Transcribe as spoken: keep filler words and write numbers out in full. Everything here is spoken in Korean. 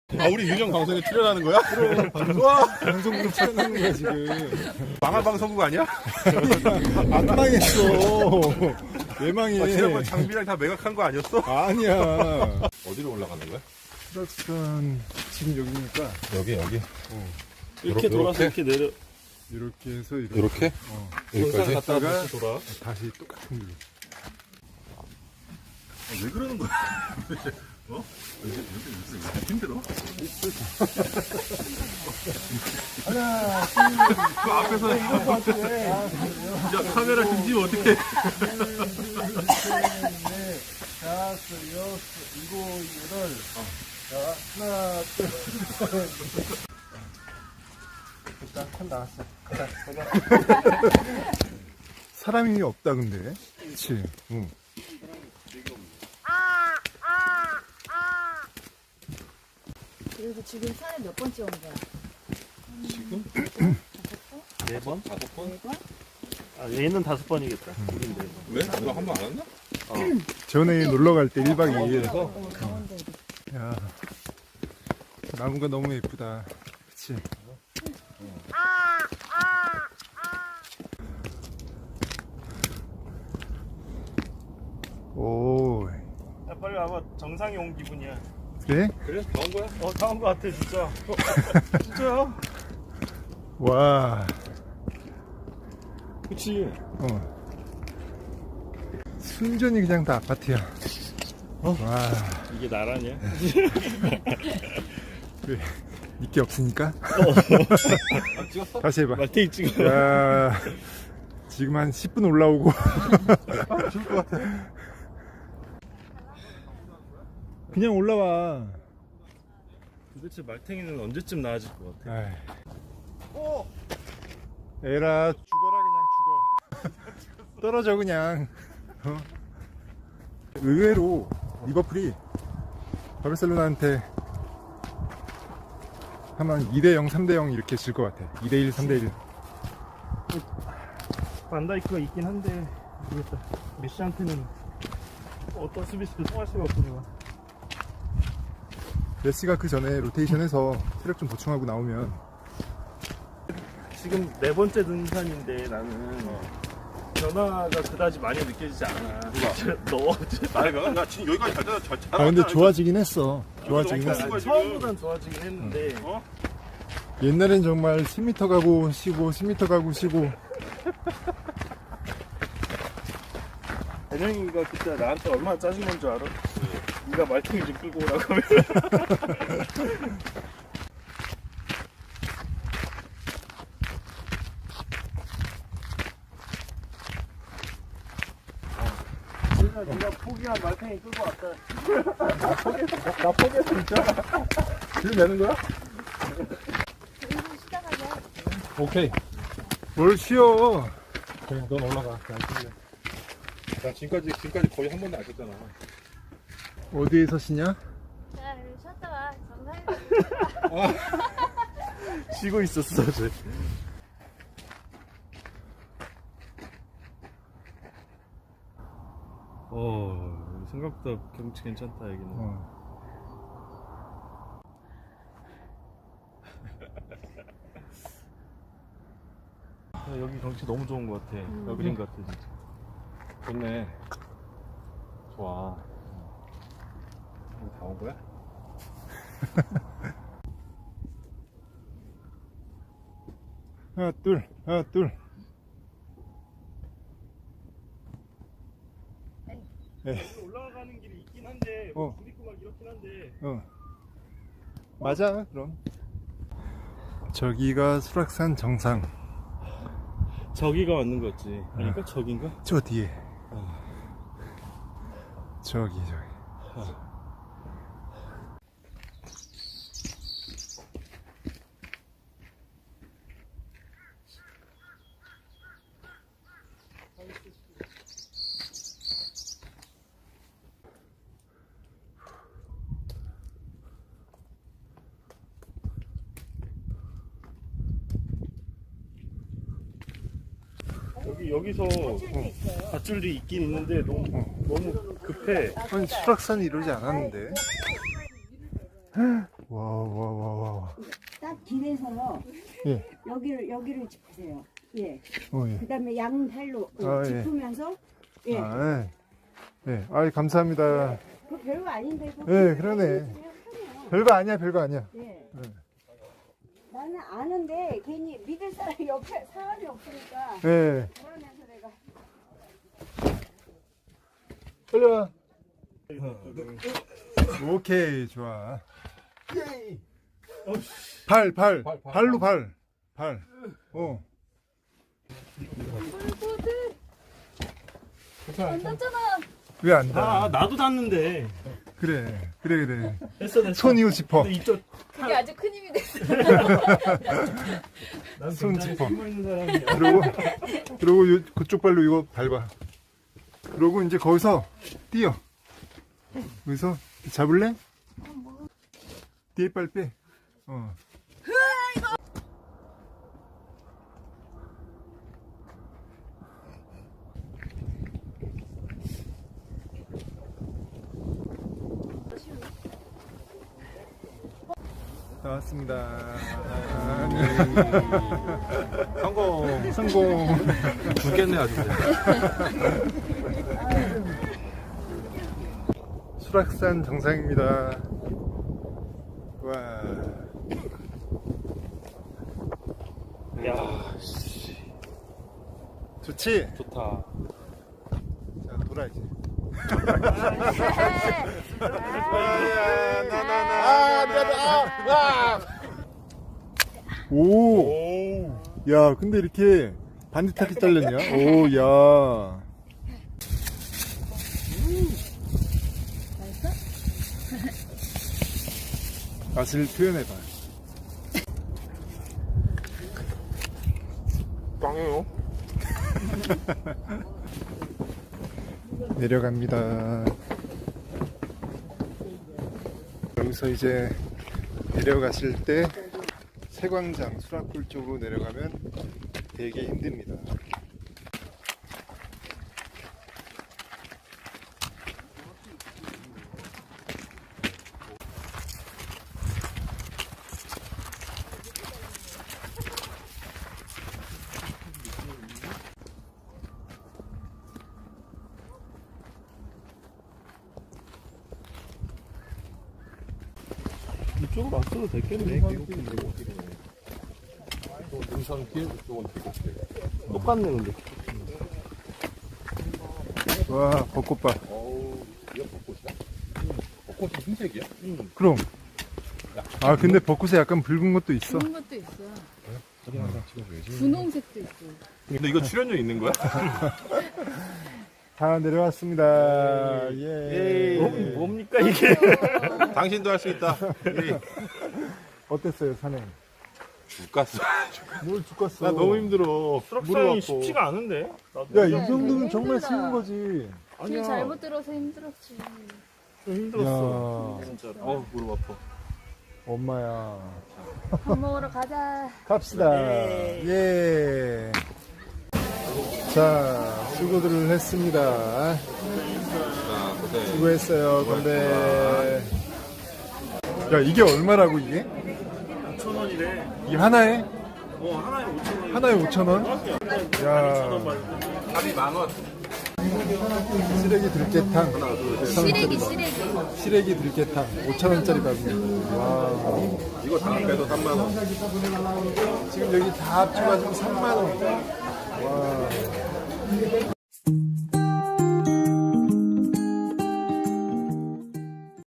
아, 우리 유령 방송에 출연하는 거야? 그럼. 와, 방송국에 출연하는 거야 지금. 망할 방송국 아니야? 안 망했어. 왜 망해? 아, 지난번 장비랑 다 매각한 거 아니었어? 아니야. 어디로 올라가는 거야? 수락산 지금 여기니까 여기, 여기. 어, 이렇게 돌아서 이렇게 내려. 이렇게 해서 이렇게, 이렇게? 어, 여기까지? 갔다가 갔다가 다시 돌아. 다시 똑같은 길로. 아, 왜 그러는 거야? 어? 왜, 왜, 왜, 왜, 왜 힘들어? 하나, 그 앞에서 야, 카메라 등지면 어떡해? 다섯, 여섯, 일곱, 여덟. 자, 하나, 둘, 셋. 일단 খন 나왔어. 사람이 없다 근데. 그렇지. 응. 그래서 지금 산에 몇 번째 온 거야? 지금? 네 번? 다섯 번? 네 번? 아, 얘는 다섯 번이겠다. 우린 네 번. 왜? 너 한 번 안 왔나? 전에 놀러 갈 때 일 박 이 일. 어, 강원도. 야, 나무가 너무 예쁘다. 그치? 오, 야, 빨리 와봐. 정상에 온 기분이야. 그래? 그래? 다 온 거야? 어, 다 온 거 같아, 진짜. 어, 진짜야? 와, 그치. 어. 순전히 그냥 다 아파트야. 어? 와, 이게 나라냐? 왜? 니께 없으니까? 아, 찍었어? 다시 해봐. 말테이 찍어. 야, 지금 한 십 분 올라오고. 죽을 것 같아. 그냥 올라와. 도대체 말탱이는 언제쯤 나아질 것 같아? 아이. 에라, 죽어라, 그냥 죽어. 떨어져, 그냥. 어? 의외로 리버풀이 바르셀로나한테 하면 이 대 영, 삼 대 영 이렇게 질 것 같아. 이 대 일, 삼 대 일. 반다이크가 있긴 한데, 모르겠다. 메시한테는 어떤 수비수도 통할 수가 없구나. 메시가 그 전에 로테이션해서 체력 좀 보충하고 나오면 지금 네 번째 등산인데 나는 변화가 그다지 많이 느껴지지 않아. 누가? 너 어제 아니, 나, 나 지금 여기까지 잘, 잘, 잘, 잘 아 근데 왔잖아. 좋아지긴 했어. 좋아지긴 너무 했어. 좋아. 처음보단 좋아지긴 했는데 어? 옛날엔 정말 십 미터 가고 쉬고 십 미터 가고 쉬고. 대령이가 그때 나한테 얼마나 짜증난 줄 알아? 네가 말탱이 좀 끌고 오라고 하면 그래서 네가 포기한 말탱이 끌고 왔다. 나 포기했어 진짜. 지금 내는 거야? 일본 시작하자. 오케이. 뭘 쉬어. 그래, 넌 올라가. 그냥 쉬래. 나 지금까지, 지금까지 거의 한 번도 안 썼잖아. 어디에서 쉬냐? 자, 쉬었다 와. 정상에. 쉬고 있었어 쟤. 어 생각보다 경치 괜찮다 여기는. 어. 야, 여기 경치 너무 좋은 것 같아. 여기인 것 같아 진짜. 좋네. 좋아. 여기 다 온 거야? 하나 둘 하나 둘. 여기 올라가는 길이 있긴 한데 어. 물 있고 막 이렇긴 한데. 어. 맞아 그럼. 저기가 수락산 정상. 저기가 맞는 거지. 그러니까 저긴가? 저 뒤에. 저기 저기. 여기 여기서 밧줄이 있긴 있는데 너무 너무 급해. 아니 수락산이 이러지 않았는데. 와. 와, 와, 와, 와. 딱 길에서 예. 여기를 여기를 짚으세요. 예. 어, 예. 그다음에 양팔로 어, 아, 예. 짚으면서 예. 아, 예. 예. 아이, 감사합니다. 그 별거 아닌데. 그거 예, 그러네. 별거 아니야, 별거 아니야. 예. 예. 나는 아는데 괜히 믿을 사람이 옆에 사람이 없으니까 예. 그러면서 내가 빨리 와. 오케이, 좋아. 발, 발, 발, 발, 발로 발, 발. 어. 안 닿잖아. 왜 안 아, 닿아? 나도 닿는데. 그래, 그래, 그래. 됐어, 됐어. 손 이거 짚어. 근데 이쪽, 그게 아주 큰 힘이 됐어. 난 손 굉장히 짚어. 힘 있는 사람이야. 그리고, 그리고 요, 그쪽 발로 이거 밟아. 그러고 이제 거기서 뛰어. 여기서 잡을래? 뒤에 발 빼. 어. 나왔습니다. 아, 네. 성공. 성공. 죽겠네 아주. 수락산 정상입니다. 와. 야, 좋지? 좋다. 자, 돌아 이제. 오. 야, 근데 이렇게 반듯하게 잘렸냐? 오, 야. 맛을 표현해봐. 빵이요? 내려갑니다. 여기서 이제 내려가실 때 세광장 수락굴 쪽으로 내려가면 되게 힘듭니다. 이쪽으로 왔어도 됐겠네. 등산 길 쪽은 되겠지. 똑같네, 근데. 와, 벚꽃봐. 어우, 이거 벚꽃이야? 벚꽃이 흰색이야? 그럼. 아, 근데 벚꽃에 약간 붉은 것도 있어. 그런 것도 있어. 사진 한장 찍어줘야지. 분홍색도 있고. 근데 이거 출연료 있는 거야? 다 내려왔습니다. 예. 뭐, 뭡니까, 이게? 당신도 할 수 있다. 예. 어땠어요, 산행? 죽겠어. 뭘 죽겠어. 나 너무 힘들어. 수락산이 쉽지가 않은데? 나도 야, 이 야, 정도면 되게 정말 힘들다. 쉬운 거지. 길 아니야. 잘못 들어서 힘들었지. 좀 힘들었어. 야. 진짜로. 어우, 무릎 아파. 엄마야. 밥 먹으러 가자. 갑시다. 예. 자, 수고들을 했습니다. 자, 고생. 수고했어요. 근데 야, 이게 얼마라고 이게? 오천 원이래. 이 하나에? 어, 하나에 오천 원. 하나에 오천 원? 야, 합이 만 원. 시래기 들깨탕. 시래기, 시래기. 시래기 들깨탕. 오천 원짜리 밥입니다. 와. 이거 다 빼도 삼만 원. 지금 여기 다 합쳐가지고 삼만 원. 와.